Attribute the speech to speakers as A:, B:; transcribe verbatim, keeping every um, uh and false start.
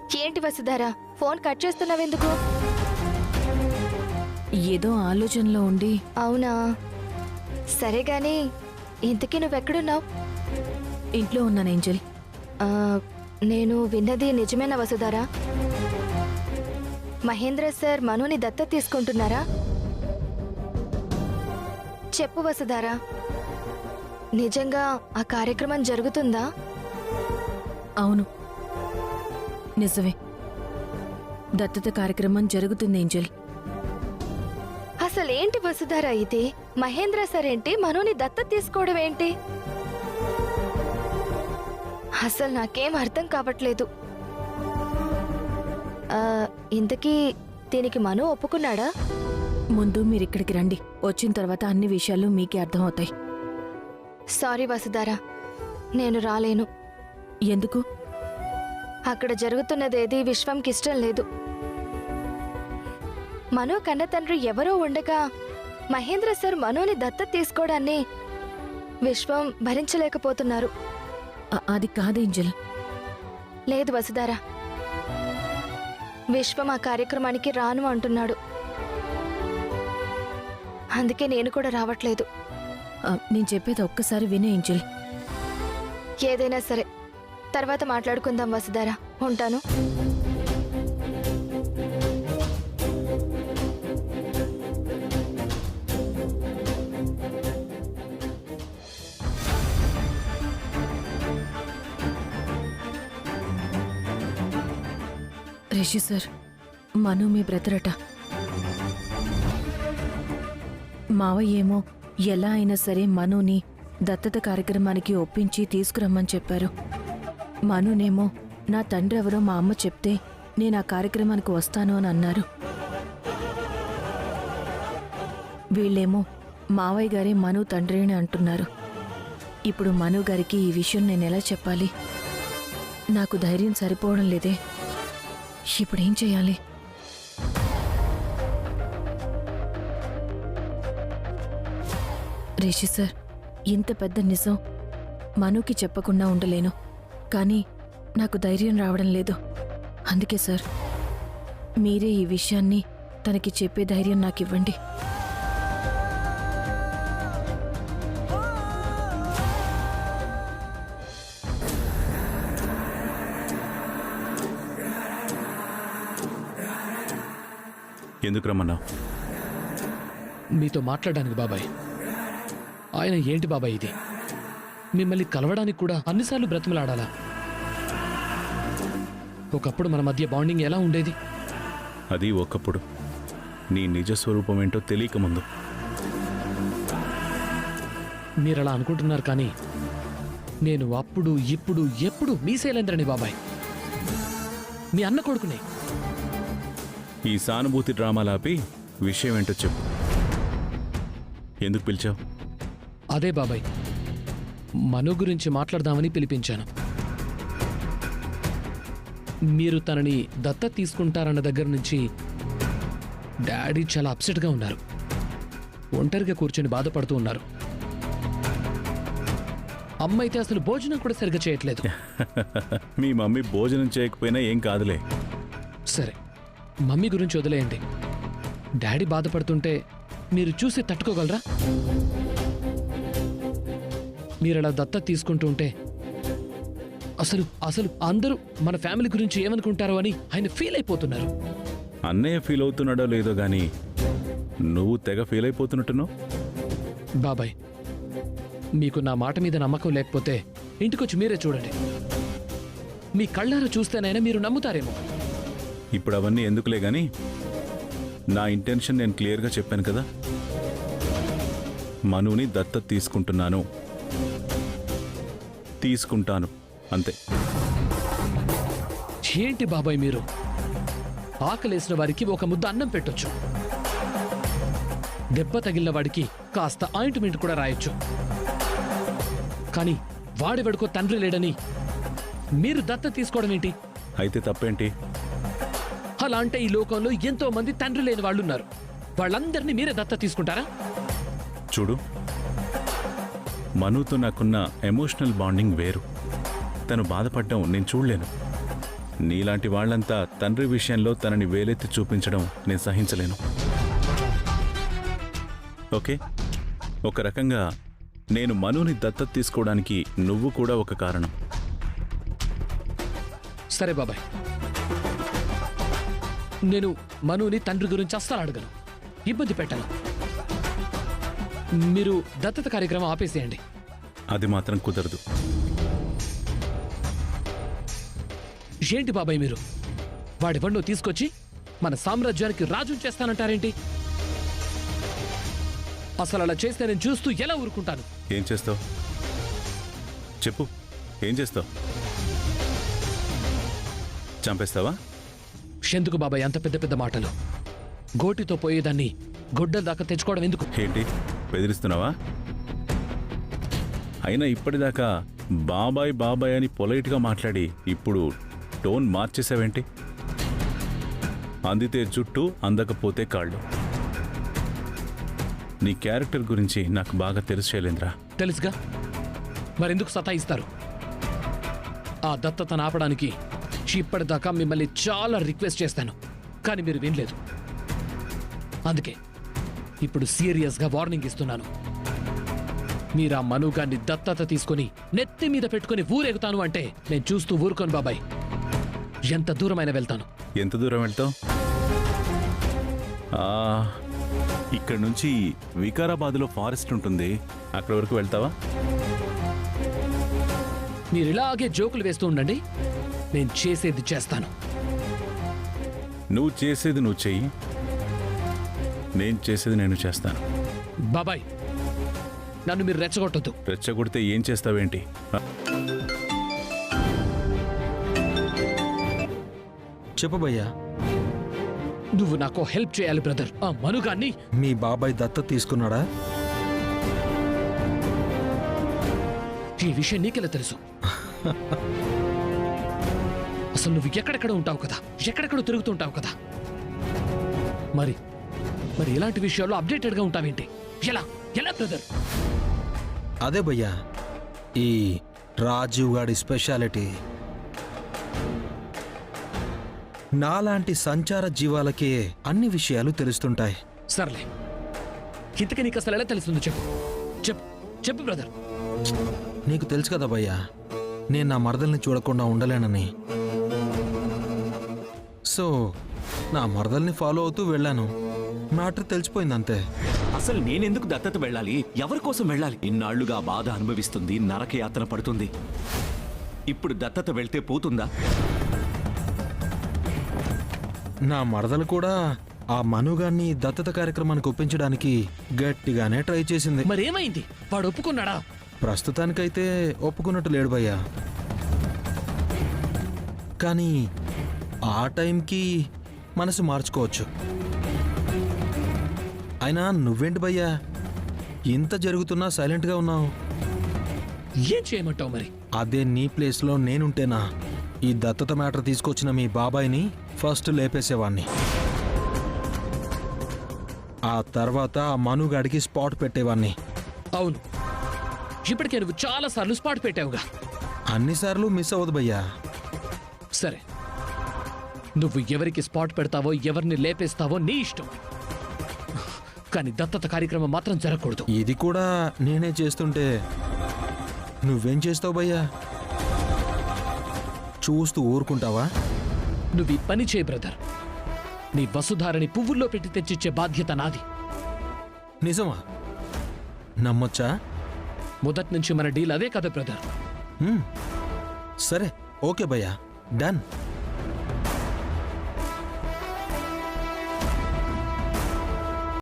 A: ఏంటి Vasudhara, phone cut చేస్తున్నావెందుకు?
B: ఏదో ఆలోచనలో ఉండి.
A: అవునా, సరే గాని ఇంతకీ నువ్వెక్కడున్నావు?
B: ఇంట్లో ఉన్నాను ఏంజెల్.
A: నేను విన్నది నిజమేనా వసుధారా? మహేంద్ర సార్ మనుని దత్త తీసుకుంటున్నారా? చెప్పు వసుధారా, నిజంగా ఆ కార్యక్రమం జరుగుతుందా?
B: అవును, నిజమే. దత్తత కార్యక్రమం జరుగుతుంది ఏంజెల్.
A: అసలేంటి వసుధారా ఇది? మహేంద్ర సార్ ఏంటి, మనుని దత్త తీసుకోవడం ఏంటి? అసలు నాకేం అర్థం కావట్లేదు. ఇంతకీ దీనికి మను ఒప్పుకున్నాడా?
B: ముందు మీరిక్కడికి రండి, వచ్చిన తర్వాత అన్ని విషయాలు మీకే అర్థమవుతాయి.
A: సారీ వసుధారా, నేను రాలేను.
B: ఎందుకు?
A: అక్కడ జరుగుతున్నదేది విశ్వంకి ఇష్టం లేదు. మను కన్న తండ్రి ఎవరో ఉండగా మహేంద్ర సార్ మనుని దత్త తీసుకోవడాన్ని విశ్వం భరించలేకపోతున్నారు.
B: అది కాదు ఏంజెల్.
A: లేదు వసుధారా, విశ్వం ఆ కార్యక్రమానికి రాను అంటున్నాడు. అందుకే నేను కూడా రావట్లేదు.
B: నేను చెప్పేది ఒక్కసారి వినే ఏంజెల్.
A: ఏదైనా సరే తర్వాత మాట్లాడుకుందాం వసుధారా, ఉంటాను.
B: రిషి సార్, మను మీ బ్రదర్ అట. మావయ్య ఏమో ఎలా అయినా సరే మనుని దత్తత కార్యక్రమానికి ఒప్పించి తీసుకురమ్మని చెప్పారు. మనునేమో నా తండ్రి ఎవరో మా అమ్మ చెప్తే నేను ఆ కార్యక్రమానికి వస్తాను అని అన్నారు. వీళ్ళేమో మావయ్య గారే మను తండ్రి అని అంటున్నారు. ఇప్పుడు మను గారికి ఈ విషయం నేను ఎలా చెప్పాలి? నాకు ధైర్యం సరిపోవడం లేదే. ఇప్పుడేం చేయాలి? రిషి సార్, ఇంత పెద్ద నిజం మనుకి చెప్పకుండా ఉండలేను, కానీ నాకు ధైర్యం రావడం లేదు. అందుకే సార్, మీరే ఈ విషయాన్ని తనకి చెప్పే ధైర్యం నాకు ఇవ్వండి.
C: ఎందుకు రమ్మన్నావు?
D: మీతో మాట్లాడడానికి బాబాయ్. ఆయన ఏంటి బాబాయ్ ఇది? మిమ్మల్ని కలవడానికి కూడా అన్నిసార్లు బ్రతిమలాడాలా? ఒకప్పుడు మన మధ్య బాండింగ్ ఎలా ఉండేది?
C: అది ఒకప్పుడు. నీ నిజ స్వరూపం ఏంటో తెలియక ముందు.
D: మీరలా అనుకుంటున్నారు, కానీ నేను అప్పుడు ఇప్పుడు ఎప్పుడు మీ శైలేంద్రని బాబాయ్, మీ అన్న కొడుకునే.
C: ఈ సానుభూతి డ్రామాలాపి విషయం ఏంటో చెప్పు. ఎందుకు పిలిచావు?
D: అదే బాబాయ్, మను గురించి మాట్లాడదామని పిలిపించాను. మీరు తనని దత్తత తీసుకుంటారన్న దగ్గర నుంచి డాడీ చాలా అప్సెట్గా ఉన్నారు. ఒంటరిగా కూర్చొని బాధపడుతూ ఉన్నారు. అమ్మ అయితే అసలు భోజనం కూడా సరిగ్గా చేయట్లేదు.
C: మీ మమ్మీ భోజనం చేయకపోయినా ఏం కాదులే.
D: సరే, మమ్మీ గురించి వదిలేయండి. డాడీ బాధపడుతుంటే మీరు చూసి తట్టుకోగలరా? మీరలా దత్తత తీసుకుంటూ ఉంటే అసలు అసలు అందరూ మన ఫ్యామిలీ గురించి ఏమనుకుంటారో అని ఆయన ఫీల్ అయిపోతున్నారు.
C: అన్నయ్య ఫీల్ అవుతున్నాడో లేదో గానీ నువ్వు తెగ ఫీల్ అయిపోతున్నట్టున్నావు.
D: బాబాయ్, మీకు నా మాట మీద నమ్మకం లేకపోతే ఇంటికొచ్చి మీరే చూడండి. మీ కళ్ళారా చూస్తేనైనా మీరు నమ్ముతారేమో.
C: ఇప్పుడు అవన్నీ ఎందుకులే గాని, నా ఇంటెన్షన్ నేను క్లియర్గా చెప్పాను కదా. మనుని దత్తత తీసుకుంటున్నాను, తీసుకుంటాను, అంతే.
D: ఏంటి బాబాయ్ మీరు? ఆకలేసిన వారికి ఒక ముద్ద అన్నం పెట్టొచ్చు, దెబ్బ తగిలిన వాడికి కాస్త ఆయింట్మెంట్ కూడా రాయొచ్చు, కానీ వాడెవడికో తండ్రి లేడని మీరు దత్తత తీసుకోవడం ఏంటి?
C: అయితే తప్పేంటి?
D: అలా అంటే ఈ లోకంలో ఎంతో మంది తండ్రి లేని వాళ్ళు ఉన్నారు. వాళ్ళందరినీ మీరే దత్తత తీసుకుంటారా?
C: చూడు, మనుతో నాకున్న ఎమోషనల్ బాండింగ్ వేరు. తను బాధపడ్డం నేను చూడలేను. నీలాంటి వాళ్ళంతా తండ్రి విషయంలో తనని వేలెత్తి చూపించడం నేను సహించలేను. ఓకే, ఒక రకంగా నేను మనుని దత్తత తీసుకోవడానికి నువ్వు కూడా ఒక కారణం.
D: సరే బాబాయ్, నేను మనుని తండ్రి గురించి అస్సలు అడగను, ఇబ్బంది పెట్టను. మీరు దత్తత కార్యక్రమం ఆపేసేయండి.
C: అది మాత్రం కుదరదు.
D: ఏంటి బాబాయ్ మీరు వాడివన్నో తీసుకొచ్చి మన సామ్రాజ్యానికి రాజుని చేస్తానంటారేంటి? అసలు అలా చేస్తే నేను చూస్తూ ఎలా ఊరుకుంటాను?
C: ఏం చేస్తావు చెప్పు, ఏం చేస్తావు? చంపేస్తావా?
D: ఎందుకు బాబాయ్ అంత పెద్ద పెద్ద మాటలు? గోటితో పోయేదాన్ని గొడ్డల దాకా తెచ్చుకోవడం ఎందుకు?
C: ఏంటి బెదిరిస్తున్నావా? అయినా ఇప్పటిదాకా బాబాయ్ బాబాయ్ అని పొలైట్గా మాట్లాడి ఇప్పుడు టోన్ మార్చేసావేంటి? అందితే జుట్టు, అందకపోతే కాళ్ళు. నీ క్యారెక్టర్ గురించి నాకు బాగా తెలుసు శైలేంద్ర.
D: తెలుసుగా, మరెందుకు సతాయిస్తారు? ఆ దత్తతను ఆపడానికి ఇప్పటిదాకా మిమ్మల్ని చాలా రిక్వెస్ట్ చేస్తాను, కానీ మీరు వినలేదు. అందుకే ఇప్పుడు సీరియస్గా వార్నింగ్ ఇస్తున్నాను. మీరు ఆ మనుగాన్ని దత్తత తీసుకుని నెత్తి మీద పెట్టుకుని ఊరెగుతాను అంటే నేను చూస్తూ ఊరుకోను బాబాయ్. ఎంత దూరమైనా వెళ్తాను.
C: ఎంత దూరం వెళ్తావు? ఇక్కడ నుంచి వికారాబాద్లో ఫారెస్ట్ ఉంటుంది, అక్కడ వరకు వెళ్తావా?
D: మీరు ఇలాగే జోకులు వేస్తూ ఉండండి, నేను చేసేది చేస్తాను.
C: నువ్వు చేసేది నువ్వు చెయ్యి, నేను చేసేది నేను చేస్తాను.
D: బాబాయ్ నన్ను మీరు రెచ్చగొట్టొద్దు.
C: రెచ్చగొడితే ఏం చేస్తావేంటి?
E: చెప్పు భయ్యా.
D: నువ్వు నాకు హెల్ప్ చేయాలి బ్రదర్. ఆ మనుగాన్ని
E: మీ బాబాయ్ దత్తత తీసుకున్నాడా?
D: ఈ విషయం నీకెలా తెలుసు? అసలు నువ్వు ఎక్కడెక్కడ ఉంటావు కదా, ఎక్కడెక్కడ తిరుగుతుంటావు కదా, మరి మరి ఇలాంటి విషయాల్లో అప్డేటెడ్గా ఉంటావేంటి? ఎలా ఎలా బ్రదర్?
E: అదే భయ్యా ఈ రాజీవ్ గాడి స్పెషాలిటీ. నాలాంటి సంచార జీవాలకే అన్ని విషయాలు తెలుస్తుంటాయి.
D: సర్లే, ఇంతకీ నీకు అసలు ఎలా తెలుస్తుందో చెప్పు చెప్పు చెప్పు బ్రదర్.
E: నీకు తెలుసు కదా భయ్యా, నేను నా మరదల్ని చూడకుండా ఉండలేనని. సో నా మరదల్ని ఫాలో అవుతూ వెళ్ళాను. మ్యాటర్ తెలిసిపోయింది అంతే.
F: అసలు నేనెందుకు దత్తత వెళ్ళాలి? ఎవరి కోసం వెళ్ళాలి? ఇన్నాళ్లుగా బాధ అనుభవిస్తుంది, నరకయాతన పడుతుంది. ఇప్పుడు దత్తత వెళ్తే పోతుందా?
E: నా మరదలు కూడా ఆ మనుగాన్ని దత్తత కార్యక్రమానికి ఒప్పించడానికి గట్టిగానే ట్రై చేసింది.
D: మరేమైంది? వాడు ఒప్పుకున్నాడా?
E: ప్రస్తుతానికైతే ఒప్పుకున్నట్టు లేడు భయ్యా. కానీ ఆ టైంకి మనసు మార్చుకోవచ్చు. అయినా నువ్వేంటి భయ్యా ఇంత జరుగుతున్నా సైలెంట్గా ఉన్నావు?
D: ఏం చేయమంటావు మరి?
E: అదే నీ ప్లేస్లో నేనుంటేనా ఈ దత్తత మ్యాటర్ తీసుకొచ్చిన మీ బాబాయ్ని ఫస్ట్ లేపేసేవాణ్ణి. ఆ తర్వాత ఆ మనుగాడికి స్పాట్ పెట్టేవాణ్ణి.
D: అవును, ఇప్పటికే నువ్వు చాలా సార్లు స్పాట్ పెట్టావుగా.
E: అన్నిసార్లు మిస్ అవ్వదు భయ్యా.
D: సరే, నువ్వు ఎవరికి స్పాట్ పెడతావో, ఎవరిని లేపేస్తావో నీ ఇష్టం, కానీ దత్తత కార్యక్రమం మాత్రం జరగకూడదు.
E: ఇది కూడా నేనే చేస్తుంటే నువ్వేం చేస్తావు భయ్యా? చూస్తూ ఊరుకుంటావా?
D: నువ్వు ఈ పని చేయి బ్రదర్. నీ వసుధారని పువ్వుల్లో పెట్టి తెచ్చిచ్చే బాధ్యత నాది.
E: నిజమా? నమ్మొచ్చా?
D: మొదటి నుంచి మన డీల్ అదే కదా బ్రదర్.
E: హ్మ్. సరే ఓకే భయ్యా, డన్.